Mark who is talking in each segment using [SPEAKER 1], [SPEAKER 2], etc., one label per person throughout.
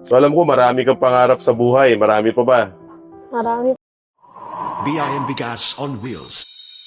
[SPEAKER 1] So alam ko marami kang pangarap sa buhay. Marami pa ba?
[SPEAKER 2] Marami.
[SPEAKER 3] BIM Bigas on Wheels.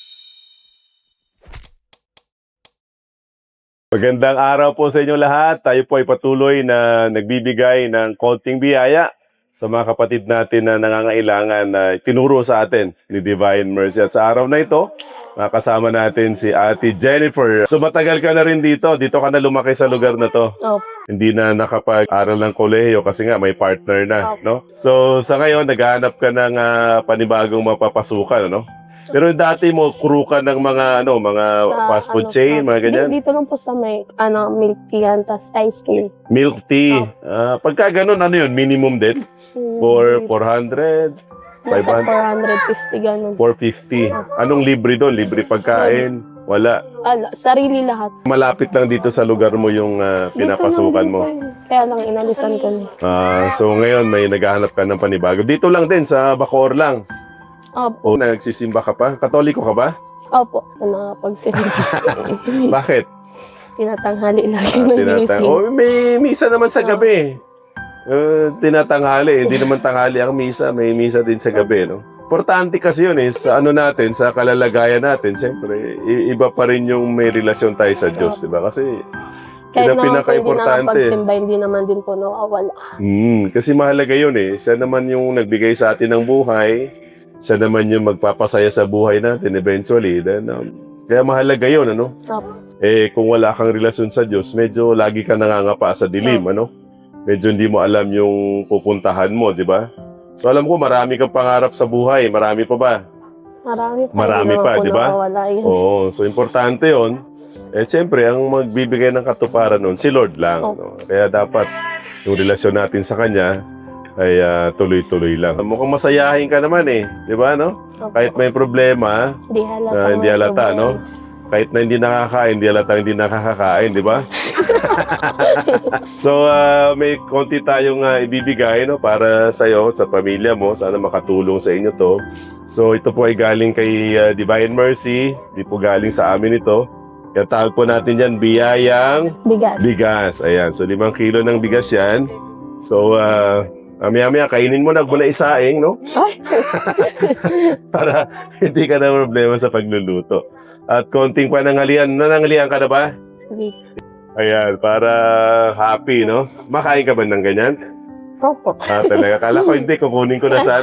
[SPEAKER 1] Magandang araw po sa inyo lahat. Tayo po ay patuloy na nagbibigay ng konting biyaya sa mga kapatid natin na nangangailangan na tinuro sa atin ni Divine Mercy. At sa araw na ito, makasama natin si Ate Jennifer. So matagal ka na rin dito. Dito ka na lumaki sa lugar na to.
[SPEAKER 2] Oh,
[SPEAKER 1] Hindi na nakapag-aral ng kolehiyo kasi nga may partner na, no? So sa ngayon, naghahanap ka ng panibagong mapapasukan, no? Pero dati mo, crew ka ng mga, mga fast food chain, mga ganyan?
[SPEAKER 2] Dito lang po sa may, milk tea yan, tas ice cream.
[SPEAKER 1] Milk tea. Pagka ganun, ano yun? Minimum din? For 400?
[SPEAKER 2] Nasa
[SPEAKER 1] 500?
[SPEAKER 2] 450 ganun.
[SPEAKER 1] 450. Anong libre doon? Libre pagkain? Wala.
[SPEAKER 2] Sarili lahat.
[SPEAKER 1] Malapit lang dito sa lugar mo yung pinapasukan mo.
[SPEAKER 2] Kaya lang inalisan ko na.
[SPEAKER 1] So ngayon, may naghahanap ka ng panibago. Dito lang din, sa Bacoor lang.
[SPEAKER 2] Opo.
[SPEAKER 1] O nagsisimba ka pa? Katoliko ka ba?
[SPEAKER 2] Opo. Nakapagsimba.
[SPEAKER 1] Bakit?
[SPEAKER 2] Tinatanghali lagi ng gising.
[SPEAKER 1] May misa naman sa gabi. Tinatanghali. Hindi naman tanghali ang misa. May misa din sa gabi, no? Importante kasi yun sa ano natin, sa kalalagayan natin. Siyempre, iba pa rin yung may relasyon tayo sa Diyos, di ba? Kasi
[SPEAKER 2] kahit naman po hindi
[SPEAKER 1] pinaka-importante.
[SPEAKER 2] nakapagsimba, hindi naman din po nawawala.
[SPEAKER 1] Kasi mahalaga yun Siya naman yung nagbigay sa atin ng buhay. Siya naman yung magpapasaya sa buhay natin eventually. Then, kaya mahalaga yun, ano?
[SPEAKER 2] Opo.
[SPEAKER 1] Kung wala kang relasyon sa Diyos, medyo lagi ka nangangapa sa dilim, ano? Medyo hindi mo alam yung pupuntahan mo, di ba? So alam ko, marami kang pangarap sa buhay. Marami pa ba? Marami pa, di ba? Oo, so importante yon. Siyempre, ang magbibigay ng katuparan nun, si Lord lang. No? Kaya dapat yung relasyon natin sa Kanya ay tuloy-tuloy lang. Mukhang masayahin ka naman di ba, no? Kahit may problema, hindi halata, no? Kahit na hindi nakakain, hindi halata hindi nakakakain, di ba? So, may konti tayong ibibigay, no? Para sa'yo, sa pamilya mo. Sana makatulong sa inyo to. So, ito po ay galing kay Divine Mercy. Hindi po galing sa amin ito. Kaya tawag po natin yan, biyayang bigas. Ayan, so 5 kilo ng bigas yan. So, maya-maya, kainin mo na muna isaing, no? Para hindi ka na problema sa pagluluto. At konting pananghalian. Nananghalian ka na ba?
[SPEAKER 2] Hindi.
[SPEAKER 1] Ayan, para happy, no? Makain ka ba ng ganyan?
[SPEAKER 2] Opo.
[SPEAKER 1] Talaga. Kala ko hindi, kukunin ko na sana.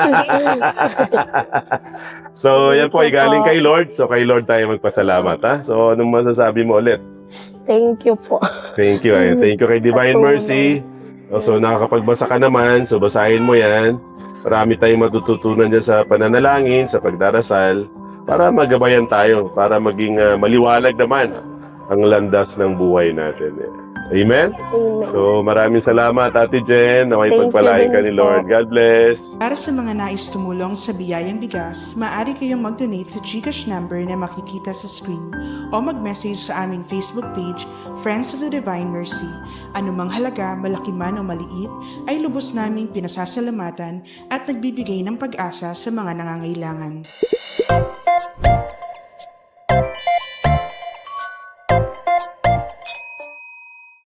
[SPEAKER 1] So, yan po ay galing kay Lord. So, kay Lord tayo magpasalamat, ha? So, anong masasabi mo ulit?
[SPEAKER 2] Thank you po.
[SPEAKER 1] Thank you. Thank you kay Divine Mercy. So, nakakapagbasa ka naman. So, basahin mo yan. Marami tayong matututunan dyan sa pananalangin, sa pagdarasal, para magabayan tayo, para maging maliwalag naman ang landas ng buhay natin. Amen?
[SPEAKER 2] Amen.
[SPEAKER 1] So, maraming salamat, Ate Jen, na may
[SPEAKER 2] Thank you
[SPEAKER 1] pagpalain ka
[SPEAKER 2] din
[SPEAKER 1] ni Lord.
[SPEAKER 2] po.
[SPEAKER 1] God bless.
[SPEAKER 4] Para sa mga nais tumulong sa Biyayang Bigas, maaari kayong mag-donate sa GCash number na makikita sa screen o mag-message sa aming Facebook page, Friends of the Divine Mercy. Anumang halaga, malaki man o maliit, ay lubos naming pinasasalamatan at nagbibigay ng pag-asa sa mga nangangailangan.